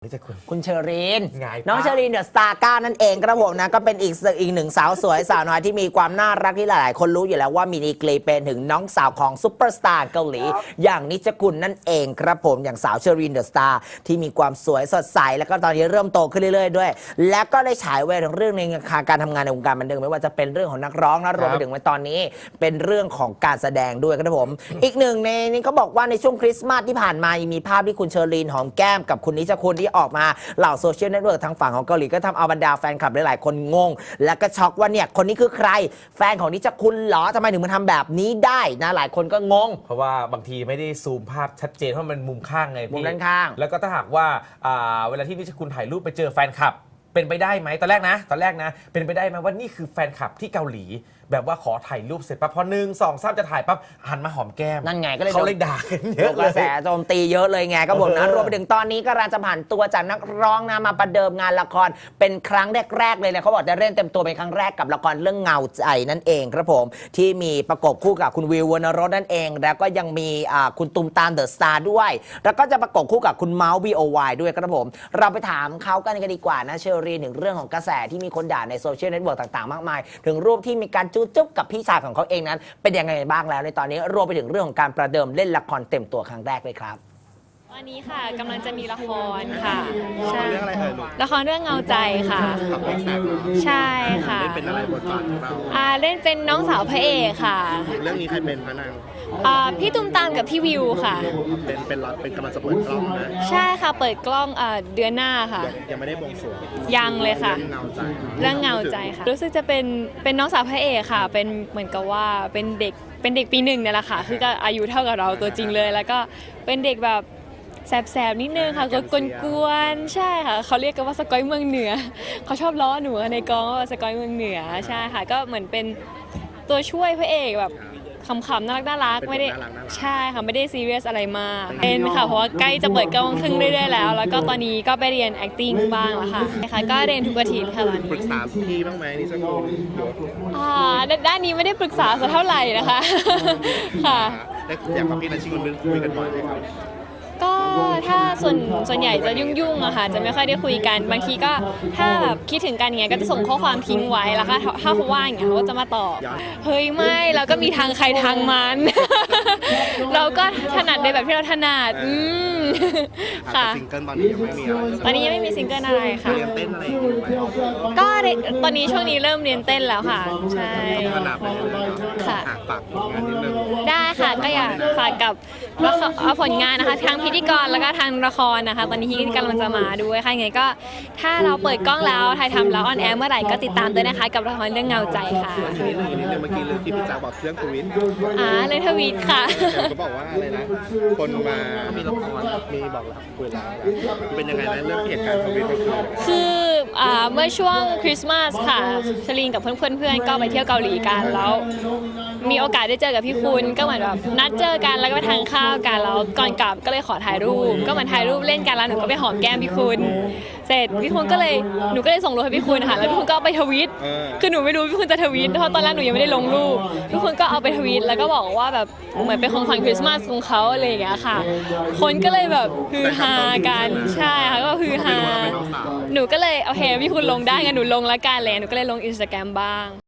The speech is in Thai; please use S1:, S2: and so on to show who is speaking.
S1: นี่จะ
S2: คุณเชอรีน
S1: ไง
S2: น้องเชอรีนเดอะสตาร์ก้านั่นเองครับผมนะก็เป็นอีกหนึ่งสาวสวยสาวน้อยที่มีความน่ารักที่หลายๆคนรู้อยู่แล้วว่ามีดีกรีเป็นถึงน้องสาวของซุปเปอร์สตาร์เกาหลีอย่างนิจกุลนั่นเองครับผมอย่างสาวเชอรีนเดอะสตาร์ที่มีความสวยสดใสแล้วก็ตอนนี้เริ่มโตขึ้นเรื่อยๆด้วยและก็ได้ฉายแววถึงเรื่องในการทำงานในวงการบันเทิงไม่ว่าจะเป็นเรื่องของนักร้องนะรวมไปถึงในตอนนี้เป็นเรื่องของการแสดงด้วยครับผมอีกหนึ่งในนี้เขาบอกว่าในช่วงคริสต์มาสที่ผ่านมามีภาพที่คุณเชอรีนหอมแก้มกับคุณนิจกุลที่ออกมาเหล่าโซเชียลเน็ตเวิร์กทางฝั่งของเกาหลีก็ทำเอาบรรดาแฟนคลับหลายๆคนงงและก็ช็อกว่าเนี่ยคนนี้คือใครแฟนของนิจกุลเหรอทำไมถึงมาทำแบบนี้ได้นะหลายคนก็งง
S1: เพราะว่าบางทีไม่ได้ซูมภาพชัดเจนเพราะมันมุมข้างไงพี่
S2: มุมด้านข้าง
S1: แล้วก็ถ้าหากว่าเวลาที่นิชคุณถ่ายรูปไปเจอแฟนคลับเป็นไปได้ไหมตอนแรกนะเป็นไปได้ไหมว่านี่คือแฟนคลับที่เกาหลีแบบว่าขอถ่ายรูปเสร็จปั๊บพอ1 2 3จะถ่ายปั๊บหันมาหอมแก้ม
S2: นั่นไงก็เลย
S1: เขาเลยด่ากันเยอะ
S2: กระแสโจมตีเยอะเลยไงก็บอกนะรวมไปถึงตอนนี้ก็กำลังจะผ่านตัวจากนักร้องนะมาประเดิมงานละครเป็นครั้งแรกๆเลยนะเขาบอกจะเล่นเต็มตัวเป็นครั้งแรกกับละครเรื่องเงาใจนั่นเองครับผมที่มีประกบคู่กับคุณวิววรรณรสนั่นเองแล้วก็ยังมีคุณตุมตามเดอะสตาร์ด้วยแล้วก็จะประกบคู่กับคุณเมาส์ BOY ด้วยครับผมเราไปถามเขากันดีกว่านะเชอรีนถึงเรื่องของกระแสที่มีคนด่าในโซเชียลเน็ตเวิร์กต่างๆมากมายถึงรูปที่มีการจุ๊บกับพี่ชายของเขาเองนั้นเป็นยังไงบ้างแล้วในตอนนี้รวมไปถึงเรื่องของการประเดิมเล่นละครเต็มตัวครั้งแรกเลยครับ
S3: ตอนนี้ค่ะกำลังจะมีละครค่ะใช่
S4: เรื่องอะไรเอ่ยลูก
S3: ละครเรื่องเงาใจค่ะ
S4: กับเอ็กซ์แซกเนาะ
S3: ใช่ค่ะ
S4: เล่นเป็นอะไรบทบาทของเรา
S3: เล่นเป็นน้องสาวพระเอกค่ะ
S4: เรื่องนี้ใครเป็นพระนาง
S3: พี่ตุ้มตามกับพี่วิวค่ะ
S4: เป็นกำลังจะเปิดกล้องนะ
S3: ใช่ค่ะเปิดกล้องเดือนหน้าค่ะ
S4: ยังไม่ได้บวงสรวง
S3: ยังเลยค่ะ
S4: เรื่อง
S3: เงาใจค่ะรู้สึกจะเป็นน้องสาวพระเอกค่ะเป็นเหมือนกับว่าเป็นเด็กปี 1เนี่ยแหละค่ะคือก็อายุเท่ากับเราตัวจริงเลยแล้วก็เป็นเด็กแบบแสบๆนิดนึงค่ะกวนๆใช่ค่ะเขาเรียกกันว่าสกอยเมืองเหนือเขาชอบล้อหนูในกองว่าสกอยเมืองเหนือใช่ค่ะก็เหมือนเป็นตัวช่วยพระเอกแบบขำๆน่ารักไม่ได้ใช่ค่ะไม่ได้ซีเรียสอะไรมากเป็นค่ะเพราะว่าใกล้จะเปิดกล้องครึ่งเรื่อยๆแล้วแล้วก็ตอนนี้ก็ไปเรียน acting บ้างแล้วค่ะก็เรียนทุกอาทิตย์ค่ะตอนนี้
S4: ปรึกษาพี่บ้างไหมนี่สักคน
S3: ด้านนี้ไม่ได้ปรึกษาสักเท่าไหร่นะคะค่ะ
S4: อยากกับพี่นัชชิคุณคุยกันบ่อยไหมครับ
S3: ก็ถ้าส่วนใหญ่จะยุ่งๆอะค่ะจะไม่ค่อยได้คุยกันบางทีก็ถ้าแบบคิดถึงกันอย่างเงี้ยก็จะส่งข้อความทิ้งไว้แล้วก็ถ้าเขาว่างอย่างเงี้ยเขาก็จะมาตอบเฮ้ยไม่เราก็มีทางใครทางมันเราก็ถนัดในแบบที่เราถนัด
S4: ค่ะซิงเกิลตอนนี้ยังไม่มีอะไร
S3: ตอนนี้ยังไม่มีซิงเกิลอะไรค่ะ
S4: เรียนเต้นอะไรอยู่ไหม
S3: ก็ตอนนี้ช่วงนี้เริ่มเรียนเต้นแล้วค่ะใช่
S4: ขนาดไปเลย
S3: ค่ะ
S4: ฝากผลงานนิดนึง
S3: ได้ค่ะก็อยากฝากกับผลงานนะคะทั้งพิธีกรแล้วก็ทางละครนะคะตอนนี้ที่กำลังจะมาด้วยค่ะยังไงก็ถ้าเราเปิดกล้องแล้วถ่ายทำแล้วออนแอร์เมื่อไหร่ก็ติดตามด้วยนะคะกับละครเรื่องเงาใจค่ะ
S4: นิดนึงเมื่อกี้เรื่องที่พี่จ๋าบอกเรื่องทวิต
S3: เรื่องทวิตค่ะ
S4: ก็บอกว่าอะไรนะคนมามีละครมีบอกรักคุยแล้วเป็นยังไงนะเรื่องเหตุการณ์ทวิต
S3: คือเมื่อช่วงคริสต์มาสค่ะชลีนกับเพื่อนก็ไปเที่ยวเกาหลีกันแล้วมีโอกาสได้เจอกับพี่คุณก็เหมือนแบบนัดเจอกันแล้วก็ไปทานข้าวกันแล้วก่อนกลับก็เลยขอถ่ายรูปก็เหมือนถ่ายรูปเล่นกันแล้วหนูก็ไปหอมแก้มพี่คุณเสร็จพี่คุณหนูก็เลยส่งรูปให้พี่คุณค่ะแล้วพี่คุณก็เอาไปทวิตคือหนูไม่รู้พี่คุณจะทวิตเพราะตอนแรกหนูยังไม่ได้ลงรูปพี่คุณก็เอาไปทวิตแล้วก็บอกว่าแบบเหมือนเป็นของขวัญคริสต์มาสของเขาอะไรอย่างเงี้ยค่ะคนก็เลยแบบฮือฮากันใช่ค่ะก็ฮือฮาหนูก็เลยโอเคพี่คุณลงได้งั้นหนูลงละกันเลยหนูก็เลยลง Instagram บ้าง